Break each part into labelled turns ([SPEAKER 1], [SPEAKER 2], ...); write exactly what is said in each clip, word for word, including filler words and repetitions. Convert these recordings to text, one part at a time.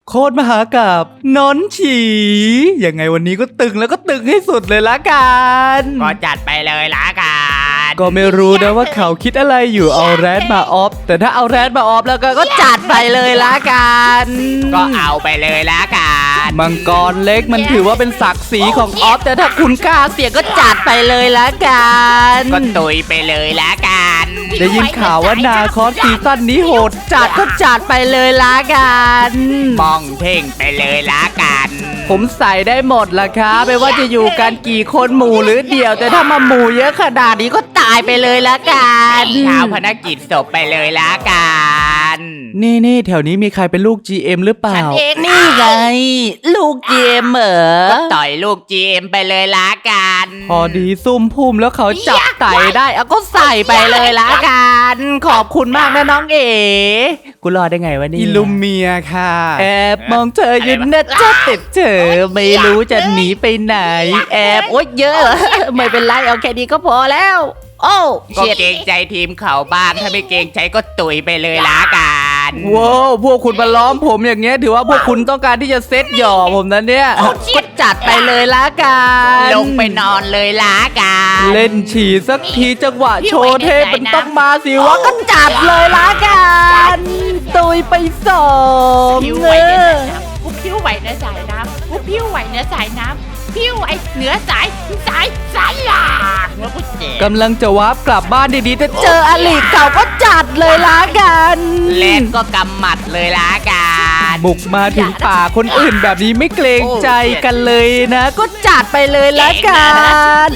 [SPEAKER 1] โคตรมหากาบนอนฉียังไงวันนี้ก็ตึงแล้วก็ตึงให้สุดเลยละกัน
[SPEAKER 2] ก็จัดไปเลยละกัน
[SPEAKER 1] ก็ไม่รู้นะว่าเขาคิดอะไรอยู่เอาแรดมาออฟแต่ถ้าเอาแรดมาออฟแล้วก็ก็จัดไปเลยละกัน
[SPEAKER 2] ก็เอาไปเลยละกัน
[SPEAKER 1] มังกรเล็กมันถือว่าเป็นศักดิ์ศรีของออฟแต่ถ้าคุณกล้าเสี่ยงก็จัดไปเลยละกัน
[SPEAKER 2] ก็ตุยไปเลยละกัน
[SPEAKER 1] ได้ยินข่าวว่านาคอสซีซั่นนี้โหดจัดก็จัดไปเลยละกัน
[SPEAKER 2] มองเพ่งไปเลยละกัน
[SPEAKER 1] ผมใส่ได้หมดละครับไม่ว่าจะอยู่กันกี่คนหมู่หรือเดี่ยวแต่ถ้ามาหมู่เยอะขนาดนี้ก็ตายไปเลยละกัน
[SPEAKER 2] ชาวพนักกิจศพไปเลยละกัน
[SPEAKER 1] นี่นี่แถวนี้มีใครเป็นลูก จี เอ็ม หรือเปล่าฉัน
[SPEAKER 2] เอง
[SPEAKER 1] นี่ไงลูก จี เอ็ม เหรอ
[SPEAKER 2] ก็ต่อยลูก จี เอ็ม ไปเลยละกัน
[SPEAKER 1] พอดีซุ่มพุ่มแล้วเขาจับไต่ได้เอาก็ใส่ไปเลยละกันขอบคุณมากนะน้องเอ๋กูรอได้ไงวะนี่อิลูเมียค่ะแอบมองเธออยู่นะจะติดเธอไม่รู้จะหนีไปไหนแอบโอ๊ยเยอะไม่เป็นไรเอาแค่นี้ก็พอแล้วโอ้
[SPEAKER 2] ก็เกรงใจทีมเขาบ้างถ้าไม่เกรงใจก็ตุยไปเลยละกัน
[SPEAKER 1] ว้าวพวกคุณมาล้อมผมอย่างเงี้ยถือว่าพวกคุณต้องการที่จะเซตหย่อผมนะเนี่ยก็จัดไปเลยละกัน
[SPEAKER 2] ลงไปนอนเลยละกัน
[SPEAKER 1] เล่นฉี่สักทีจังหวะโชว์เทพมันต้องมาสิวะก็จัดเลยละกันตุยไปสอง
[SPEAKER 3] พิ้วไหวเนื้อสายน้ำกูพิ้วไหวเนื้อสายน้ำกูพิ้วไหวเนื้อสายน้ำพิ้วไอเหนือสายสายสายหลักแล้วกูเจ็บ
[SPEAKER 1] กำลังจะวาร์ปกลับบ้านดีๆแต่เจออลิเก่าก็จัดเลยละกัน
[SPEAKER 2] เล่นก็กำหมัดเลยละกัน
[SPEAKER 1] บุกมาถึงป่าคนอื่นแบบนี้ไม่เกรงใจกันเลยนะก็จัดไปเลยละกัน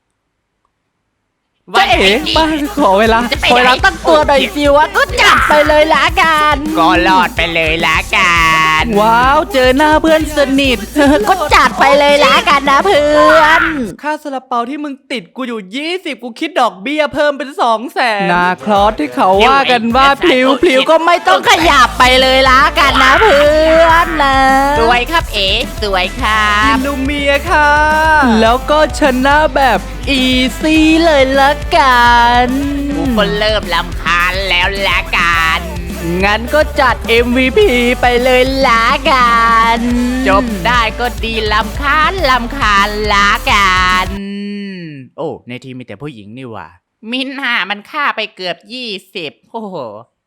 [SPEAKER 1] จะเอ๋มาขอเวลาขอเวลาตั้งตัวหน่อยสิวะก็จัดไปเลยละกัน
[SPEAKER 2] ก็รอดไปเลยละกัน
[SPEAKER 1] ว้าวเจอหน้าเพื่อนสนิทก็จัดไปเลยละกันนะเพื่อนค่าซาลาเปาที่มึงติดกูอยู่ยี่สิบกูคิดดอกเบี้ยเพิ่มเป็นสองแสนนาคลอสที่เขาว่ากันว่าพลิ้วพลิ้วก็ไม่ต้องขยับไปเลยละกันนะเพื่อนนะ
[SPEAKER 2] สวยครับเอ๋สวยครับ
[SPEAKER 1] อิลูเมียค่ะแล้วก็ชนะแบบอีซี่เลยละกัน
[SPEAKER 2] กูก็เริ่มลำคาญแล้วละกัน
[SPEAKER 1] งั้นก็จัด เอ็ม วี พี ไปเลยละกัน
[SPEAKER 2] จบได้ก็ดีลำคาญลำคาญละกันโอ้ในทีมมีแต่ผู้หญิงนี่ว่ะมินหามันฆ่าไปเกือบยี่สิบโอ้โห